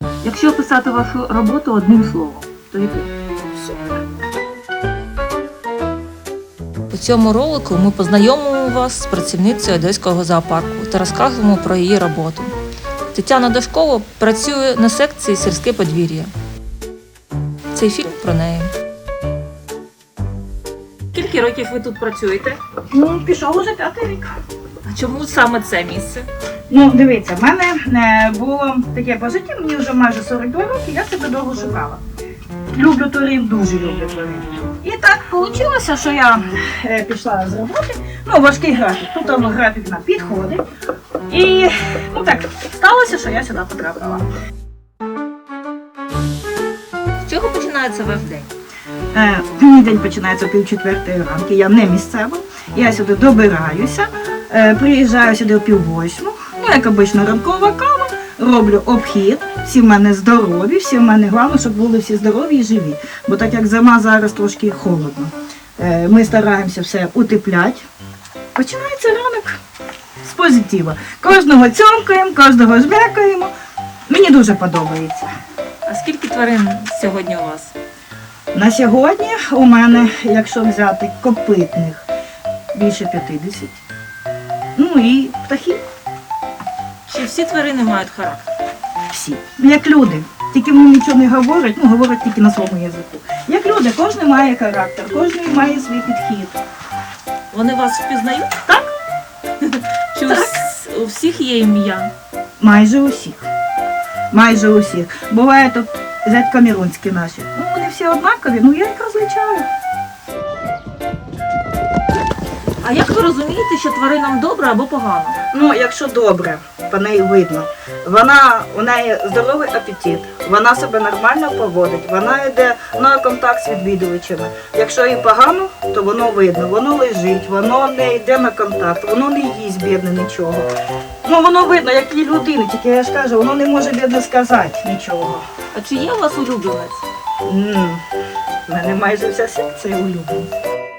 Якщо описати вашу роботу одним словом, то яким? Супер. У цьому ролику ми познайомимо вас з працівницею Одеського зоопарку та розкажемо про її роботу. Тетяна Дашкова працює на секції «Сільське подвір'я». Цей фільм про неї. Скільки років ви тут працюєте? Ну, пішов уже 5-й рік. А чому саме це місце? Ну, дивіться, в мене було таке по житті, мені вже майже 42 роки, я себе довго шукала. Люблю тварин, дуже люблю тварин. І так вийшло, що я пішла з роботи, важкий графік, тут там графік на підходи. І так сталося, що я сюди потрапила. З чого починається ваш день? Мій день починається о 3:30 ранку, я не місцева, я сюди добираюся, приїжджаю сюди о 7:30, як обично ранкова кава, роблю обхід, всі в мене здорові, всі в мене головне, щоб були всі здорові і живі, бо так як зима зараз трошки холодно. Ми стараємося все утепляти. Починається ранок з позитива. Кожного цьомкаємо, кожного жмякаємо. Мені дуже подобається. А скільки тварин сьогодні у вас? На сьогодні у мене, якщо взяти копитних, більше 50. І птахи Чи всі тварини мають характер? всі. Як люди. Тільки вони нічого не говорять, говорять тільки на своєму язику. Як люди, кожен має характер, кожен має свій підхід. Вони вас впізнають? Так. Чи у всіх є ім'я? Майже усіх. Майже усіх. Буває тут зять камерунські наші. Вони всі однакові, я їх розлічаю. А як ви розумієте, що тваринам добре або погано? Якщо добре, по неї видно. У неї здоровий апетит, вона себе нормально поводить, вона йде на контакт з відвідувачами. Якщо їй погано, то воно видно, воно лежить, воно не йде на контакт, воно не їсть бідне нічого. Воно видно, як і людини, тільки я ж кажу, воно не може бідне сказати нічого. А чи є у вас улюбленець? У мене майже вся секція улюблена.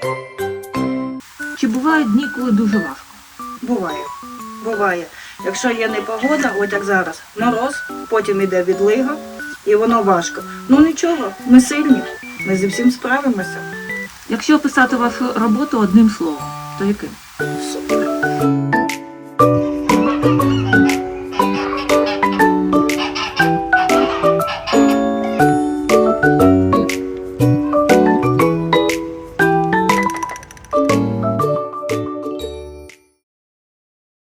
Чи бувають дні, коли дуже важко? Буває. Якщо є непогода, от як зараз, мороз, потім йде відлига, і воно важко. Нічого, ми сильні, ми зі всім справимося. Якщо описати вашу роботу одним словом, то яким? Супер.